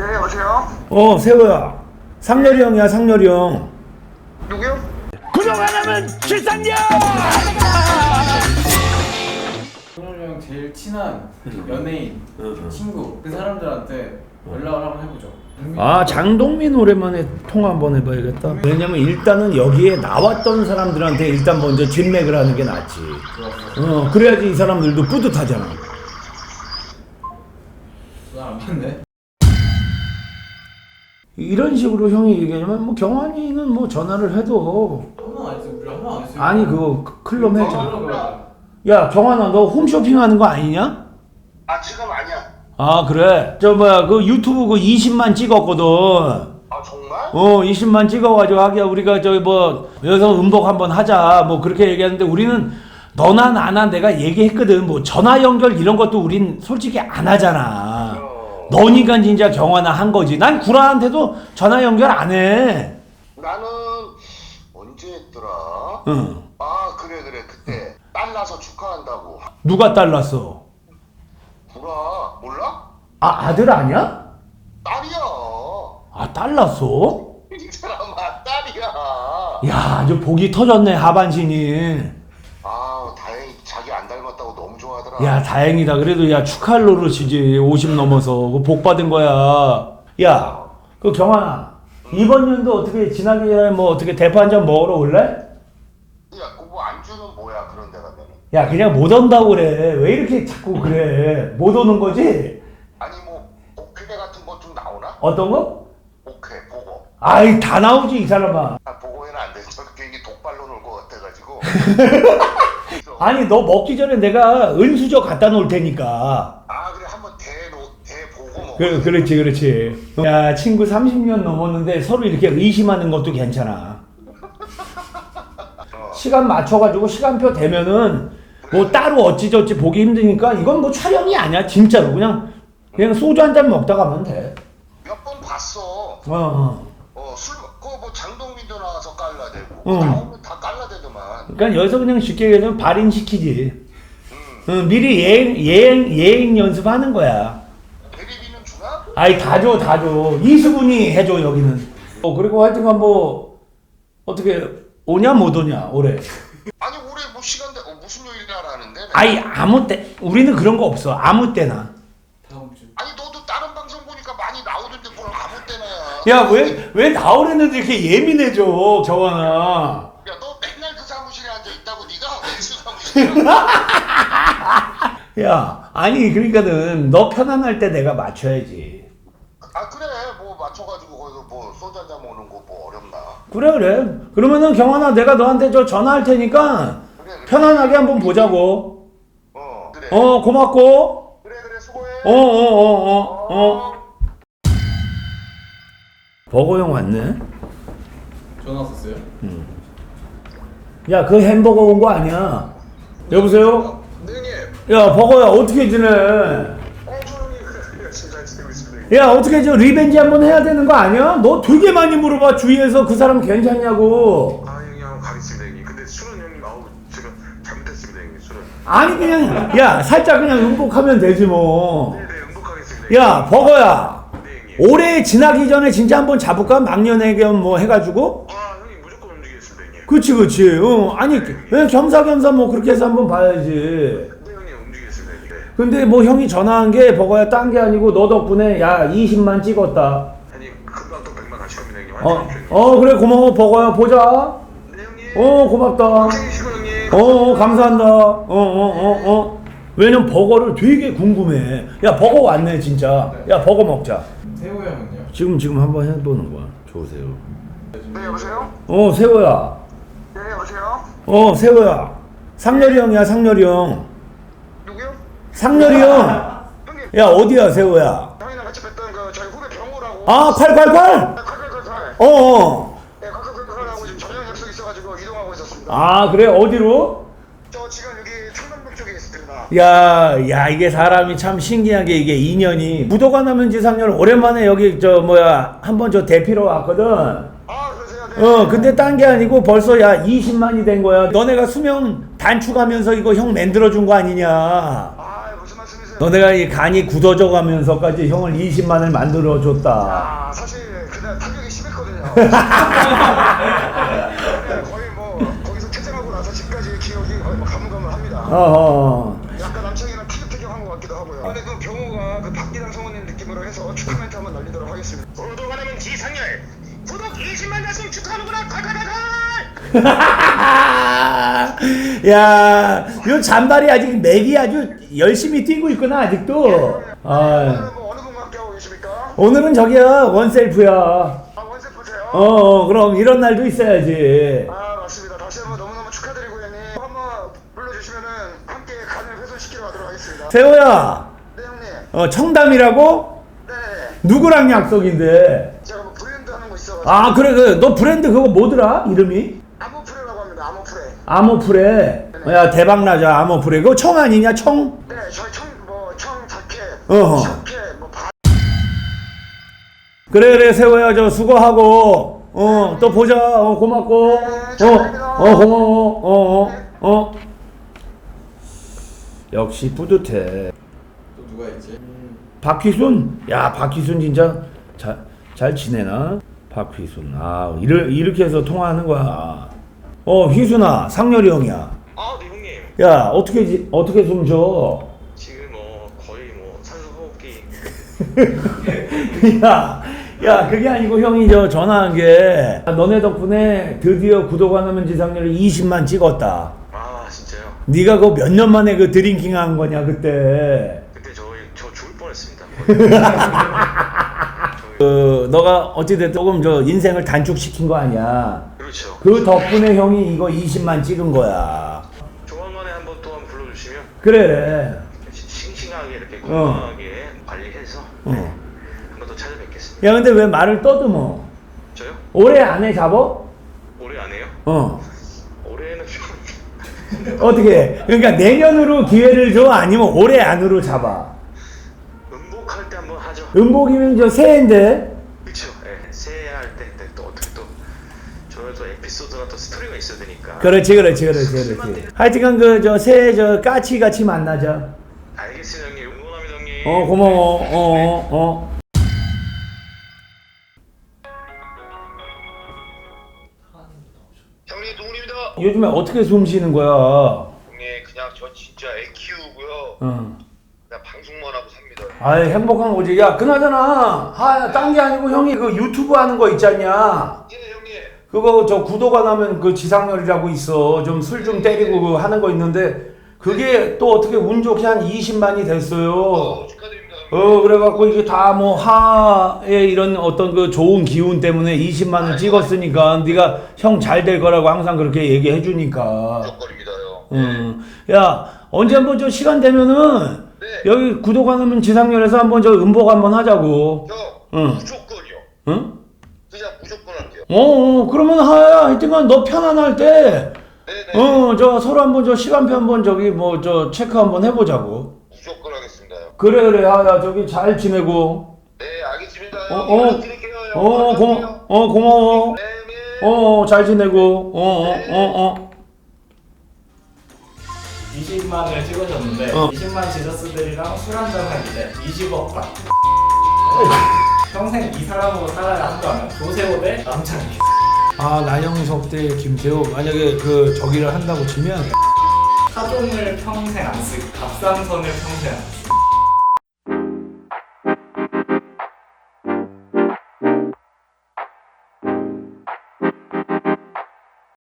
네, 여보세요? 세호야. 상렬이 형이야, 상렬이 형. 누구요? 구독 안 하면 출산료! 성렬이 형 제일 친한 연예인, 친구 그 사람들한테 연락을 한번 해보죠. 장동민 오랜만에 통화 한번 해봐야겠다. 왜냐면 일단은 여기에 나왔던 사람들한테 일단 먼저 진맥을 하는 게 낫지. 그래야지 이 사람들도 뿌듯하잖아. 전화 안 받네. 이런 식으로 형이 얘기하면 뭐 경환이는 뭐 전화를 해도 한번 안 했어요. 우리 한번 안 했어요. 아니 그거 클럽 했잖아. 했잖아. 야 경환아 너 홈쇼핑 하는 거 아니냐? 아, 지금 아니야. 아 그래? 그 유튜브 그 20만 찍었거든. 아, 정말? 20만 찍어가지고 하기야 우리가 여기서 음복 한번 하자 뭐 그렇게 얘기하는데 우리는 너나 나나 내가 얘기했거든. 뭐 전화 연결 이런 것도 우린 솔직히 안 하잖아. 너니까 진짜 경환아 한 거지. 난 구라한테도 전화 연결 안 해. 나는 언제 했더라? 응. 아, 그래. 그때 딸 나서 축하한다고. 누가 딸났어? 구라, 몰라? 아 아들 아니야? 딸이야. 아 딸났어? 이 사람아, 딸이야. 야 아주 복이 터졌네 하반신이. 아, 다행히 자기 안 닮았다고 너무 좋아하더라. 야 다행이다. 그래도 야 축하할 노릇이지. 50 넘어서 그 복 받은 거야. 야 그 경환아 이번 년도 어떻게 지나기 전에 뭐 어떻게 대파 한 잔 먹으러 올래? 야, 그거 안주는 뭐야, 그런 데 가면은. 야 그냥 못 온다고 그래. 왜 이렇게 자꾸 그래. 못 오는 거지? 아니, 뭐, 오케 같은 거 좀 나오나? 어떤 거? 오케, 보고. 아이 다 나오지 이 사람아. 아, 보고에는 안 돼. 저 괜히 독발로 놀 것 같아가지고. 아니 너 먹기 전에 내가 은수저 갖다 놓을 테니까. 아, 그래. 한번 대보고 먹어. 그렇지. 야 친구 30년 넘었는데 서로 이렇게 의심하는 것도 괜찮아. 시간 맞춰가지고 시간표 되면은 뭐 따로 어찌저찌 보기 힘드니까 이건 뭐 촬영이 아니야 진짜로. 그냥 소주 한 잔 먹다 가면 돼. 몇 번 봤어. 뭐 장동민도 나와서 깔라대고. 나오면 다 깔라대더만. 그러니까 여기서 그냥 쉽게 얘기하면 발인시키지. 미리 예행 연습하는 거야. 대리비는 주나? 아이 다 줘. 이수근이 해줘 여기는. 그리고 하여튼간 뭐 어떻게 오냐 못 오냐 올해. 아니, 올해 뭐 시간대 무슨 요일이라 하는데? 아이 아무 때 우리는 그런 거 없어. 아무 때나. 다음 주. 아니, 너도 다른 방송 보니까 많이 나오던데 뭘 아무 때나야. 야 왜 나오랬는데 이렇게 예민해져 경환아. 야, 너 맨날 그 사무실에 앉아 있다고 네가 왜 그 사무실에? 야 아니 그러니까는 너 편안할 때 내가 맞춰야지. 아, 그래. 뭐 맞춰가지고 거기서 뭐 소주 한잔 먹는 거 뭐 어렵나? 그래. 그러면은 경환아 내가 너한테 전화할 테니까 그래. 편안하게 한번 보자고. 그래. 고맙고. 그래, 수고해. 버거 형 왔네. 전화 왔었어요? 야 그 햄버거 온 거 아니야. 여보세요? 네, 형님. 야 버거야 어떻게 지내? 조용히 그래. 잘 지내고 있습니다. 야 어떻게 리벤지 한번 해야 되는 거 아니야? 너 되게 많이 물어봐 주위에서 그 사람 괜찮냐고. 아, 형님 한번 가겠습니다, 형님. 근데 술은 형님, 제가 잘못했습니다, 형님. 술은. 아니 그냥 야 살짝 그냥 응복하면 되지 뭐. 네, 응복하겠습니다. 야 버거야 네, 형님. 올해 지나기 전에 진짜 한번 잡을까? 막년회견 뭐 해가지고. 형님 무조건 움직이겠습니다, 형님. 그치 아니 그냥 겸사겸사 뭐 그렇게 해서 한번 봐야지. 네, 형님 움직이겠습니다, 형님. 네. 근데 뭐 형이 전화한 게 버거야 딴 게 아니고 너 덕분에 야 20만 찍었다. 형님 금방 또 100만 가실 겁니다, 형님. 화이팅 하십시오, 형님. 그래 고마워 버거야 보자. 네, 형님. 고맙다. 생기시고, 형님. 감사한다. 왜냐면 버거를 되게 궁금해. 야 버거 왔네 진짜. 야 버거 먹자. 세호 형은요? 지금 한번 해보는 거야. 좋으세요. 네, 여보세요? 세호야. 네, 여보세요? 세호야. 상렬이 형이야 상렬이 형. 누구요? 상렬이 형. 형님, 야 어디야 세호야. 형이랑 같이 뵀던 저희 후배 병호라고. 아 888. 네, 칼칼칼칼. 어. 네, 칼칼칼칼하고 지금 저녁 약속 있어가지고 이동하고 있었습니다. 아 그래 어디로? 저 지금 여기 청담동 쪽에 있습니다. 야 이게 사람이 참 신기하게 이게 인연이 무도가 나면 지상렬 오랜만에 여기 한번 대피로 왔거든. 아, 그러세요? 네. 근데 딴 게 아니고 벌써 야 20만이 된 거야. 너네가 수명 단축하면서 이거 형 만들어준 거 아니냐. 아, 무슨 말씀이세요? 너네가 이 간이 굳어져 가면서까지 형을 20만을 만들어 줬다. 아, 사실 그날 타격이 심했거든요. 거의 뭐 거기서 퇴장하고 나서 집까지 기억이 거의 뭐 가물가물합니다. 약간 남창이랑 티격태격한 것 같기도 하고요. 근데 그 경호가 그 박기당 성우님 느낌으로 해서 축하 멘트 한번 날리도록 하겠습니다. 구독하면 지상렬 구독 20만 달성 축하하는구나. 야, 요 잔발이 아직 맥이 아주 열심히 뛰고 있구나 아직도. 아, 오늘은 뭐 어느 분과 함께 하고 계십니까? 오늘은 저기야 원셀프야. 아, 원세프세요? 그럼 이런 날도 있어야지. 아, 맞습니다. 다시 한번 너무너무 축하드리고 형님. 한번 불러주시면은 함께 간을 훼손시키러 가도록 하겠습니다. 세호야, 네 형님. 청담이라고? 네. 누구랑 약속인데? 제가 뭐 브랜드 하는 거 있어가지고. 아, 그래, 너 브랜드 그거 뭐더라? 이름이? 아모프레라고 합니다. 아모프레. 아모프레. 야, 대박 나자, 아모프레. 그거 청 아니냐, 청? 네, 저희 청 자켓, 어허. 자켓, 뭐 바. 그래, 세호야, 저 수고하고, 또 보자. 고맙고. 고마워. 역시 뿌듯해. 또 누가 있지? 박휘순? 야, 박휘순 진짜 잘 지내나? 박휘순. 아, 이렇게 해서 통화하는 거야. 휘순아, 상렬이 형이야. 아, 네 형님. 야, 어떻게 숨 쉬어? 지금 뭐 거의 뭐 산소 호흡기. 야, 그게 아니고 형이 전화한 게 너네 덕분에 드디어 구독 안 하면 지상렬을 20만 찍었다. 아, 진짜요? 네가 그 몇 년 만에 그 드링킹 한 거냐 그때. 그때 저 죽을 뻔했습니다. 너가 어찌됐든 조금 인생을 단축시킨 거 아니야. 그렇죠. 그 덕분에 형이 이거 20만 찍은 거야. 조만간에 한번 또 한번 불러주시면 그래. 싱싱하게 이렇게 건강하게 관리해서 한번 또 찾아뵙겠습니다. 야, 근데 왜 말을 떠듬어? 저요? 올해 안에 잡어? 올해 안 해요? 올해는 좀 어떻게? 그러니까 내년으로 기회를 줘? 아니면 올해 안으로 잡아? 음복할 때 한번 하죠. 음복이면 새해인데? 그렇죠. 예, 새해 할 때 또 어떻게 또 저의 또 에피소드나 또 스토리가 있어야 되니까. 그렇지. 하여튼간 새해 까치같이 만나자. 알겠습니다 형님. 응원합니다 형님. 고마워. 형님 동훈입니다. 요즘에 어떻게 숨 쉬는 거야? 형님 그냥 저 진짜 애 키우고요. 그냥 방송만 하고 삽니다. 아이, 행복한 거지. 야, 그나저나, 딴 게 아니고 형이 그 유튜브 하는 거 있잖냐. 예 형님. 그거 구독 안 하면 그 지상렬이라고 있어. 좀 술 좀 때리고 그 하는 거 있는데, 그게 또 어떻게 운 좋게 한 20만이 됐어요. 축하드립니다. 그래갖고 이게 다 뭐 하의 이런 어떤 그 좋은 기운 때문에 20만을 찍었으니까 네가 형 잘 될 거라고 항상 그렇게 얘기해 주니까. 무조건입니다 형. 야, 언제 한번 시간 되면은 네. 여기 구독 안 하면 지상렬에서 한번 음복 한번 하자고. 형 무조건이요. 응? 그냥 무조건 할게요. 그러면 하여튼간 너 편안할 때 네네. 서로 한번 시간표 한번 체크 한번 해보자고. 무조건 하겠습니다 형. 그래. 야, 잘 지내고. 네 알겠습니다 형. 연락드릴게요 형. 고마워. 네. 잘 지내고. 20만을 찍으셨는데 20만 지저스들이랑 술 한잔 하는데 20억 딱. 평생 이 사람으로 살아야 한다면 조세호 대 남창희. 나영석 대 김태호 만약에 저기를 한다고 치면 타종을 평생 안 쓰고 갑상선을 평생 안 쓰고